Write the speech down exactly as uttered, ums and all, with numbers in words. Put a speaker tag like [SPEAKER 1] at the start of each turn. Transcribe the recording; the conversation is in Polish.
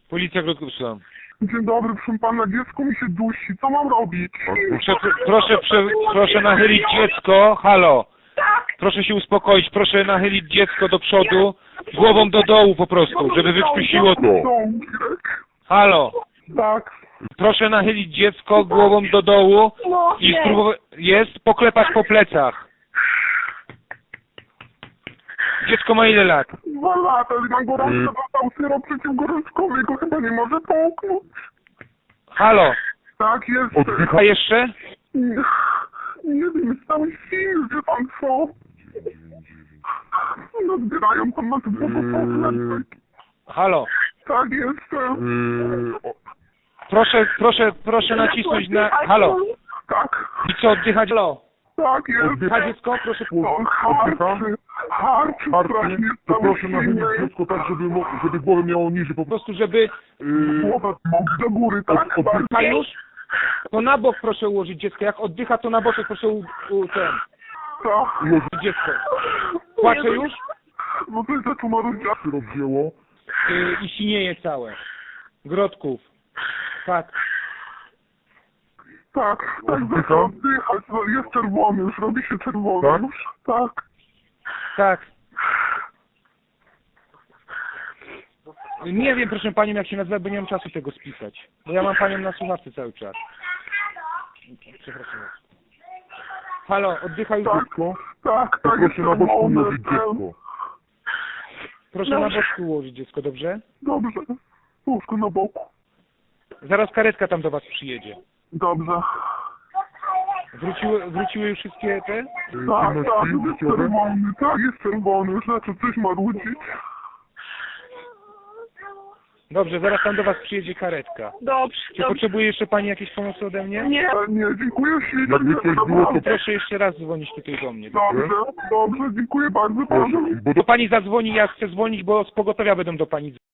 [SPEAKER 1] Policja Grodkowska.
[SPEAKER 2] Dzień dobry, proszę pana, dziecko mi się dusi, co mam robić?
[SPEAKER 1] Proszę, proszę, proszę, proszę nachylić dziecko, halo. Proszę się uspokoić, proszę nachylić dziecko do przodu, głową do dołu po prostu, żeby wykrztusiło to. Halo.
[SPEAKER 2] Tak.
[SPEAKER 1] Proszę nachylić dziecko głową do dołu i spróbować, jest, poklepać po plecach. Dziecko ma ile lat?
[SPEAKER 2] Dwa lata, na gorączce dostał syrop przeciwgorączkowy, go chyba nie może połknąć.
[SPEAKER 1] Halo.
[SPEAKER 2] Tak, jest.
[SPEAKER 1] A jeszcze?
[SPEAKER 2] Nie, nie wiem, jest cały film, wie pan co? No zbierają tam na tym pogotowie.
[SPEAKER 1] Halo.
[SPEAKER 2] Tak, jestem.
[SPEAKER 1] Proszę, proszę, proszę nacisnąć na... Halo.
[SPEAKER 2] Tak,
[SPEAKER 1] I co, oddychać? Halo.
[SPEAKER 2] tak, jest.
[SPEAKER 1] Oddycha dziecko? Proszę.
[SPEAKER 2] No, harczy, harczy
[SPEAKER 3] Harczy,
[SPEAKER 2] strasznie,
[SPEAKER 3] to
[SPEAKER 2] cały
[SPEAKER 3] proszę nachylić
[SPEAKER 2] silny.
[SPEAKER 3] dziecko tak, żeby, mo- żeby głowę miało niżej, po
[SPEAKER 1] Po
[SPEAKER 3] prostu.
[SPEAKER 1] prostu, żeby...
[SPEAKER 3] Yy,
[SPEAKER 2] Głowę do góry, tak?
[SPEAKER 3] Od- od-
[SPEAKER 1] A już? To na bok proszę ułożyć dziecko. Jak oddycha, to na boczek proszę u, u ten...
[SPEAKER 2] Tak.
[SPEAKER 1] ułożyć dziecko. Płacze już?
[SPEAKER 2] No to jest za tumarudzia.
[SPEAKER 3] się rozwzięło.
[SPEAKER 1] Yy, I sinieje całe. Grodków. Tak.
[SPEAKER 2] Tak, tak,
[SPEAKER 3] Oddycha?
[SPEAKER 2] zaczął oddychać, no, jest czerwony, już robi się czerwony.
[SPEAKER 3] Tak?
[SPEAKER 2] Już, tak.
[SPEAKER 1] Tak. Nie wiem, proszę panią, jak się nazywa, bo nie mam czasu tego spisać. Bo ja mam panią na słuchawce cały czas. Przepraszam. Halo, oddycha już.
[SPEAKER 2] Tak,
[SPEAKER 3] Dziecko?
[SPEAKER 2] tak,
[SPEAKER 3] To
[SPEAKER 2] tak,
[SPEAKER 3] proszę na boczku
[SPEAKER 2] czerwony,
[SPEAKER 3] ułożyć
[SPEAKER 2] ten.
[SPEAKER 3] dziecko.
[SPEAKER 1] Proszę na boczku ułożyć dziecko, dobrze?
[SPEAKER 2] Dobrze, łóżko na boku.
[SPEAKER 1] Zaraz karetka tam do was przyjedzie.
[SPEAKER 2] Dobrze.
[SPEAKER 1] Wróciły, wróciły już wszystkie te?
[SPEAKER 3] Yy,
[SPEAKER 2] Tak,
[SPEAKER 3] czynności
[SPEAKER 2] tak, jest
[SPEAKER 3] życiowe.
[SPEAKER 2] czerwony, tak, jest czerwony, już zaczął coś marudzić.
[SPEAKER 1] Dobrze, zaraz tam do was przyjedzie karetka.
[SPEAKER 4] Dobrze,
[SPEAKER 1] Czy
[SPEAKER 4] dobrze.
[SPEAKER 1] potrzebuje jeszcze pani jakiejś pomocy ode mnie?
[SPEAKER 4] Nie.
[SPEAKER 2] Ale nie, dziękuję ślicznie.
[SPEAKER 3] Jakby coś było, to-
[SPEAKER 1] Proszę jeszcze raz dzwonić tutaj do mnie.
[SPEAKER 2] Dobrze, dobrze, dziękuję bardzo
[SPEAKER 3] Proszę,
[SPEAKER 2] panu.
[SPEAKER 3] bo
[SPEAKER 1] Do pani zadzwoni, ja chcę dzwonić, bo z pogotowia będą do pani